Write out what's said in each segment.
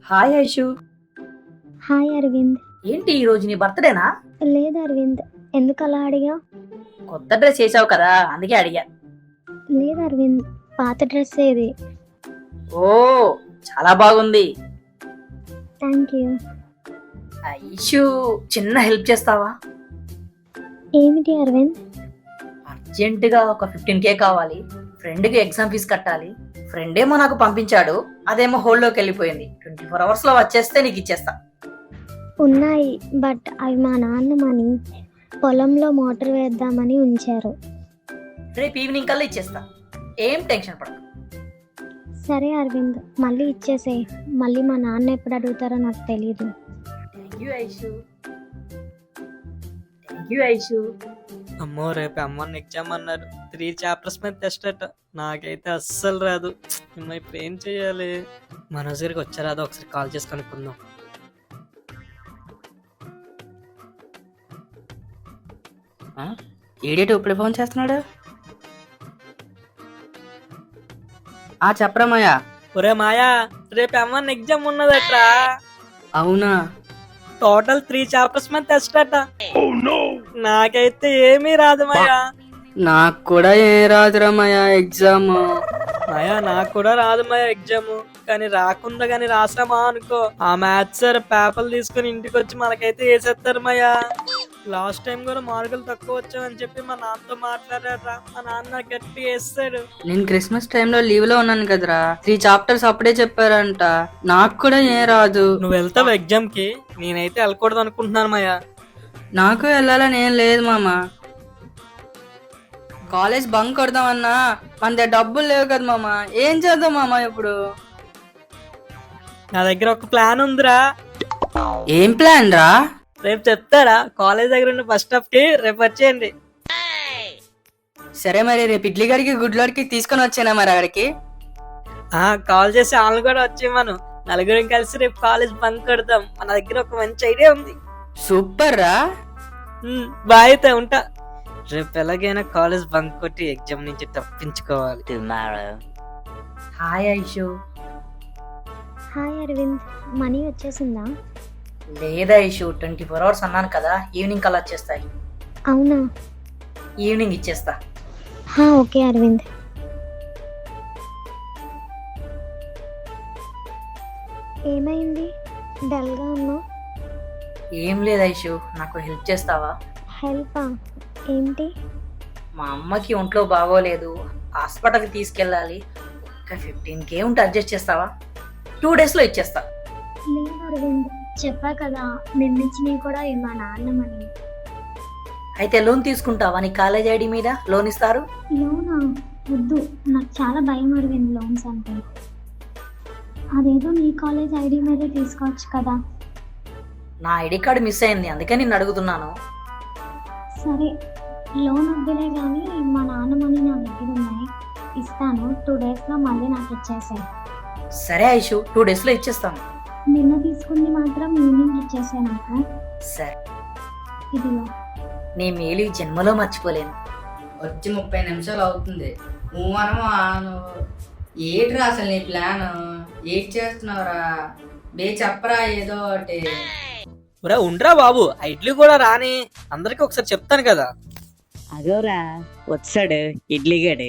Hi Aishu. Hi Arvind. ఏంటి ఈ రోజు నీ బర్త్డేనా? లేదు అరవింద్, ఎందుకు అలా అడిగా? కొత్త డ్రెస్ చేసావు కదా అందుకే అడిగా. లేదు అరవింద్, పాత డ్రెస్ ఏది. ఓ చాలా బాగుంది. Thank you. ఐషు, చిన్న హెల్ప్ చేస్తావా? ఏమిటి అరవింద్? అర్జెంటుగా ఒక 15K కావాలి. ఫ్రెండ్కి ఎగ్జామ్ ఫీజు కట్టాలి. ఫ్రెండ్ ఏమో నాకు పంపించాడు, అదేమో హోల్డ్లోకి వెళ్ళిపోయింది. 24 hours లో వచ్చేస్తే నీకు ఇచ్చేస్తా. ఉన్నాయి, బట్ అవి మా నాన్న మనీ. పొలంలో మోటార్ వేద్దామని ఉంచారు. రేపు ఈవినింగ్ కల్లా ఇచ్చేస్తా, ఏం టెన్షన్ పడకు. సరే అరవింద్, మళ్ళీ ఇచ్చేసే. మళ్ళీ మా నాన్న ఎప్పుడు అడుగుతారో నాకు తెలీదు. Thank you Aishu. Thank you Aishu. అమ్మో, రేపు అమ్మని ఎగ్జామ్ అన్నారు. 3 chapters మీద టెస్ట్ అట. నాకైతే అస్సలు రాదు. ఇప్పుడు ఏం చెయ్యాలి? మనోజ్ గారికి వచ్చారాదో ఒకసారి కాల్ చేసి కనుక్కుందాం. ఏడేటి ఇప్పుడు ఫోన్ చేస్తున్నాడు? చెప్పరా మాయా. ఒరే మాయా, రేపు అమ్మని ఎగ్జామ్ ఉన్నదట్రా. అవునా? టోటల్ 3 chapters మీద టెస్ట్ అట. నాకైతే ఏమీ రాదు మాయా. నాకు కూడా ఏ రాదురా మాయా ఎగ్జామ్. మాయా నాకు కూడా రాదు మాయా ఎగ్జామ్. కానీ రాకుండా కానీ రాసామా అనుకో, ఆ మ్యాథ్స్ సార్ పేపర్లు తీసుకుని ఇంటికి వచ్చి మనకైతే వేసేస్తారు మాయా. లాస్ట్ టైం కూడా మార్కులు తక్కువ వచ్చామని చెప్పి మా నాన్నతో మాట్లాడారా. మా నాన్న గట్టి వేస్తాడు. నేను క్రిస్మస్ టైంలో లీవ్ లో ఉన్నాను కదరా, 3 chapters అప్పుడే చెప్పారంట. నాకు కూడా ఏ రాదు. నువ్వు వెళ్తావు ఎగ్జామ్ కి? నేనైతే వెళ్ళకూడదు అనుకుంటున్నాను మాయా. నాకు వెళ్ళాలని ఏం లేదు మామ. కాలేజ్ బంక్ కొడదామన్నా మన దగ్గర డబ్బులు లేవు కదా మామ. ఏం చేద్దాం మామ ఇప్పుడు? నా దగ్గర ఒక ప్లాన్ ఉందిరా. ఏం ప్లాన్ రా? రేపు చెప్తారా? కాలేజ్ దగ్గర ఉన్న బస్ స్టాప్ కి రేపు వచ్చేయండి. సరే మరి రేపు ఇడ్లీ గారికి గుడ్లోడికి తీసుకొని వచ్చానా మరి అక్కడికి? కాల్ చేసి వాళ్ళని కూడా వచ్చేయమను. నలుగురం కలిసి రేపు కాలేజ్ బంక్ కొడదాం. మన దగ్గర ఒక మంచి ఐడియా ఉంది. సూపర్ రా. బాయ్ అయితే ఉంటా. రేపు ఎలాగైనా కాలేజ్ బంక్ కొట్టి ఎగ్జామ్ నుంచి తప్పించుకోవాలి. Hi Aishu. Hi Aravind, money వచ్చేసిందా? లేదా ఐషు, 24 hours అన్నాను కదా, ఈవినింగ్ కల్లా వచ్చేస్తాయి. అవునా? ఈవినింగ్ ఇచ్చేస్తా. ఓకే అరవింద్. ఏమైంది, డల్గా ఉన్నావు? ఏం లేదు ఐషు, నాకు హెల్ప్ చేస్తావా? హెల్పా? ఏంటి? మా అమ్మకి ఒంట్లో బాగోలేదు, హాస్పిటల్కి తీసుకెళ్ళాలి. ఒక 15K ఉంటే అడ్జస్ట్ చేస్తావా? 2 days లో ఇచ్చేస్తా. లేదు అరవింద్, చెప్పా కదా నిర్మించినవి కూడా మా నాన్న మనీ. అయితే లోన్ తీసుకుంటావా? నీ కాలేజ్ ఐడి మీద లోన్ ఇస్తారు. లోనా? వద్దు, నాకు చాలా భయం అరవింద్ లోన్స్ అంటే. అదేదో నీ కాలేజ్ ఐడి మీదే తీసుకోవచ్చు కదా. నా ఐడి కార్డు మిస్ అయింది, అందుకే నిన్ను అడుగుతున్నాను. సరే, లోన్ వద్దులే కానీ మా నాన్న మనీ నా దగ్గర ఉన్నాయి, ఇస్తాను. 2 days లో మళ్ళీ నాకు ఇచ్చేసాయి. సరే ఐషు, 2 days లో ఇచ్చేస్తాను. నిన్న తీసుకుంది మాత్రం ఈవినింగ్ ఇచ్చేసే నాకు. సరే, ఇదిగో. నీ మేలు ఈ జన్మలో మర్చిపోలేను. వచ్చి 30 నిమిషాలు అవుతుంది. ఏట్రా అసలు నీ ప్లాన్? ఏం చేస్తున్నావురా? చెప్పరా ఏదో ఒకటి. ఉండరా బాబు, ఇడ్లీ కూడా రాని. అందరికి ఒకసారి చెప్తాను కదా. అదోరా వచ్చాడు ఇడ్లీ గడి.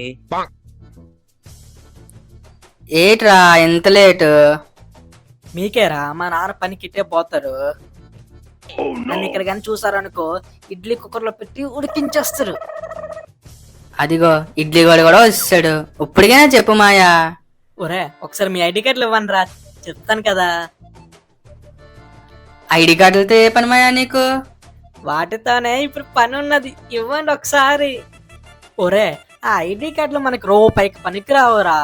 ఏట్రా ఎంత లేటు? మీకేరా, మా నాన్న పనికి ఇట్టే పోతారు. నన్ను ఇక్కడ కానీ చూసారనుకో, ఇడ్లీ కుక్కర్ లో పెట్టి ఉడికించేస్తారు. అదిగో ఇడ్లీ కూడా వచ్చాడు. ఇప్పటికైనా చెప్పు మాయా. ఒరే, ఒకసారి మీ ఐడి కార్డులు ఇవ్వండి రా, చెప్తాను కదా. ఐడి కార్డులతో ఏ పని మాయా నీకు? వాటితోనే ఇప్పుడు పని ఉన్నది, ఇవ్వండి ఒకసారి. ఒరే, ఆ ఐడి కార్డులు మనకి రూపాయికి పనికిరావురా.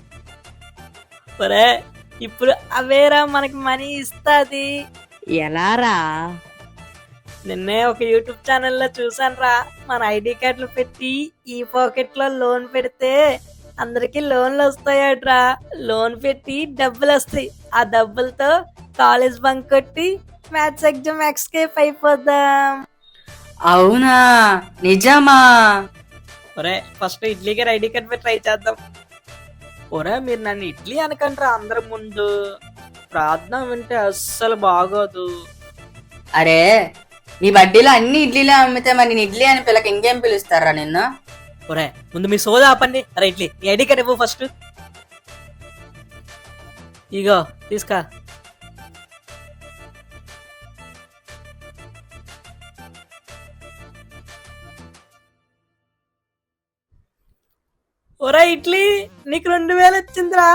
ఒరే, ఇప్పుడు అవేరా మనకి మనీ ఇస్తాది. ఎలారా? నిన్నే ఒక యూట్యూబ్ ఛానల్లో చూసాను రా. మన ఐడి కార్డులు పెట్టి ఈ పాకెట్ లో లోన్ పెడితే అందరికి లోన్లు వస్తాయట్రా. లోన్ పెట్టి డబ్బులు వస్తాయి. ఆ డబ్బులతో కాలేజ్ బంక్ కొట్టి మ్యాథ్స్ ఎగ్జామ్ ఎస్కేప్ అయిపోదాం. అవునా? నిజమా? ఒరే, ఫస్ట్ ఇడ్లీ గారి ఐడి కార్డ్ పెట్టి ట్రై చేద్దాం. ఒరే, మీరు నన్ను ఇడ్లీ అనకంటారా అందరి ముందు. ప్రార్థన వింటే అస్సలు బాగోదు. అరే నీ వడ్డీలో అన్ని ఇడ్లీలే అమ్మితే మరి నేను ఇడ్లీ అని పిల్లకి ఇంకేం పిలుస్తారా నిన్ను? ఒరే ముందు మీ సోదా ఆపండి. అరే ఇడ్లీ నీ ఐడి కార్డ్ ఇవ్వు ఫస్ట్. ఇగో తీసుకా. ఒరే ఇడ్లీ నీకు 2000 వచ్చిందిరా.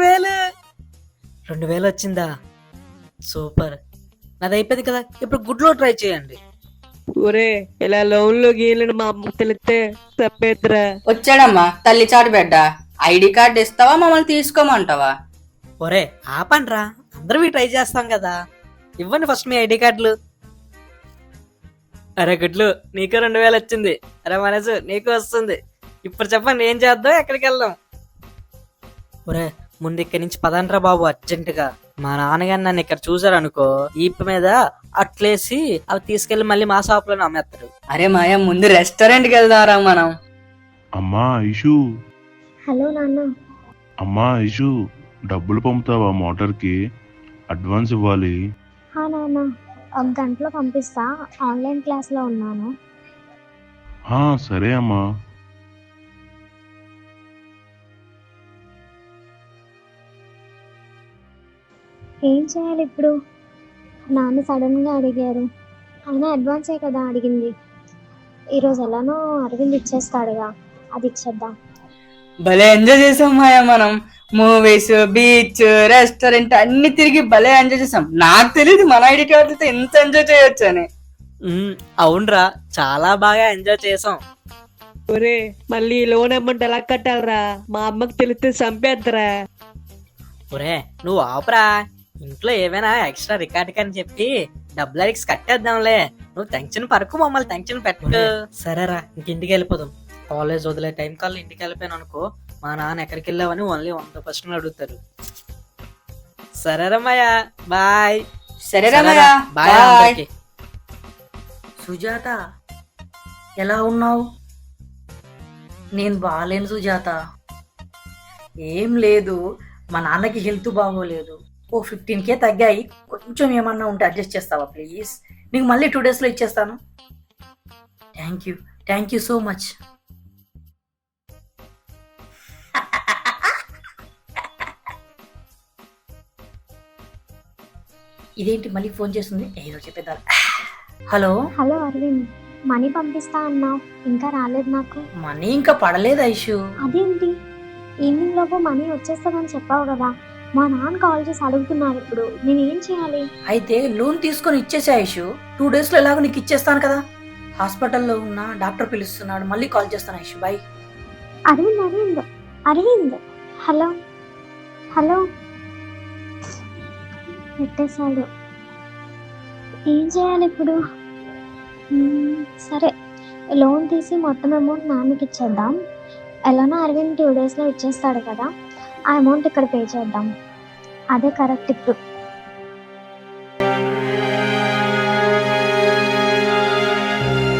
2000 వచ్చిందా? సూపర్. నాది అయిపోయింది కదా, ఇప్పుడు గుడ్లో ట్రై చేయండి. ఒరే ఇలా లోన్ లో గీలను మా అమ్మకు తెలిస్తే తప్పేద్దురా. వచ్చాడమ్మా తల్లి చాటు బిడ్డ. ఐడి కార్డు ఇస్తావా మమ్మల్ని తీసుకోమంటావా? ఒరే ఆపండ్రా, అందరూ ట్రై చేస్తాం కదా. ఇవ్వండి ఫస్ట్ మీ ఐడి కార్డులు. అరే గుడ్లు నీకు 2000 వచ్చింది. అరే మనసు నీకు వస్తుంది. ఇప్పుడు చెప్పండి ఏం చేద్దాం, ఎక్కడికి వెళ్దాం? ఒరే ముందు ఇక్కడి నుంచి పదండ్రా బాబు అర్జెంటుగా. మా నాన్నగారు నన్ను ఇక్కడ చూసారనుకో ఈప మీద అట్లేసి అవి తీసుకెళ్లి మళ్ళీ మా షాప్ లో అమ్మేస్తారు. అరే మాయా ముందు రెస్టారెంట్కి వెళ్దాంరా మనం. అమ్మా ఐషు, హలో నాన్న. అమ్మా ఐషు, డబ్బులు పంపుతావా మోటార్కి? అడ్వాన్స్ ఇవ్వాలి. నాన్న, ఒక గంటలో పంపిస్తా. ఆన్లైన్ క్లాస్లో ఉన్నాను. సరే అమ్మా. ఏం చేయాలి ఇప్పుడు? నాన్న సడన్గా అడిగారు. అయినా అడ్వాన్సే కదా అడిగింది. ఈరోజు ఎలానో అరవింద్ ఇచ్చేస్తాడుగా, అది ఇచ్చేద్దాం. భలే ఎంజాయ్ చేసాం మాయా మనం. మూవీస్, బీచ్, రెస్టారెంట్ అన్ని తిరిగి భలే ఎంజాయ్ చేసాం. నాకు తెలియదు మన ఐడి కార్డులతో ఎంత ఎంజాయ్ చేయొచ్చు అని. అవునరా, చాలా బాగా ఎంజాయ్ చేసాం. ఒరే మళ్ళీ లోన్ అమౌంట్ ఎలా కట్టాలరా? మా అమ్మకు తెలిస్తే చంపేద్దరా. ఒరే నువ్వు ఆపరా. ఇంట్లో ఏమైనా ఎక్స్ట్రా రికార్డ్ అని చెప్పి డబ్బులు అడిగి కట్టేద్దాంలే. నువ్వు టెన్షన్ పరకు, మమ్మల్ని టెన్షన్ పెట్టు. సరేరా ఇంటికి వెళ్ళిపోదాం. కాలేజ్ వదిలే టైం కల్లా ఇంటికి వెళ్ళిపోయాను అనుకో, మా నాన్న ఎక్కడికి వెళ్ళావని ఓన్లీ 100 ప్రశ్నలు అడుగుతారు. సరేరా మాయా, బాయ్. సరేరా మాయా, బాయ్ బాయ్. అందరికీ. సుజాత ఎలా ఉన్నావు? నేను బాగాలేను సుజాత. ఏం లేదు, మా నాన్నకి హెల్త్ బాగోలేదు. 15K తగ్గాయి. కొంచెం ఏమన్నా ఉంటే అడ్జస్ట్ చేస్తావా ప్లీజ్? నీకు మళ్ళీ 2 daysలో ఇచ్చేస్తాను. Thank you so much. ఇదేంటి మళ్ళీ ఫోన్ చేస్తుంది? ఏదో చెప్పేద్దాం. హలో హలో అరవింద్, మనీ పంపిస్తా అన్నావు, ఇంకా రాలేదు నాకు. మనీ ఇంకా పడలేదు ఐషు. అదేంటి? ఈవినింగ్ లోపు మనీ వచ్చేస్తుందని చెప్పావు కదా. మా నాన్న కాల్ చేసి అడుగుతున్నారు ఇప్పుడు. నేను ఏం చేయాలి? అయితే లోన్ తీసుకొని ఇచ్చేసే ఐషు. 2 daysలో ఎలాగో నీకు ఇచ్చేస్తాను కదా. హాస్పిటల్లో ఉన్న డాక్టర్ పిలుస్తున్నాడు, మళ్ళీ కాల్ చేస్తాను Aishu. Bye. Aravind Aravind Aravind, hello hello. పెట్టేశాడు. ఏం చేయాలి ఇప్పుడు? సరే, లోన్ తీసి మొత్తం అమౌంట్ నాన్నకి ఇచ్చేద్దాం. ఎలానో అరవింద్ 2 daysలో ఇచ్చేస్తాడు కదా, ఆ అమౌంట్ ఇక్కడ పే చేద్దాం. అదే కరెక్ట్ ఇప్పుడు.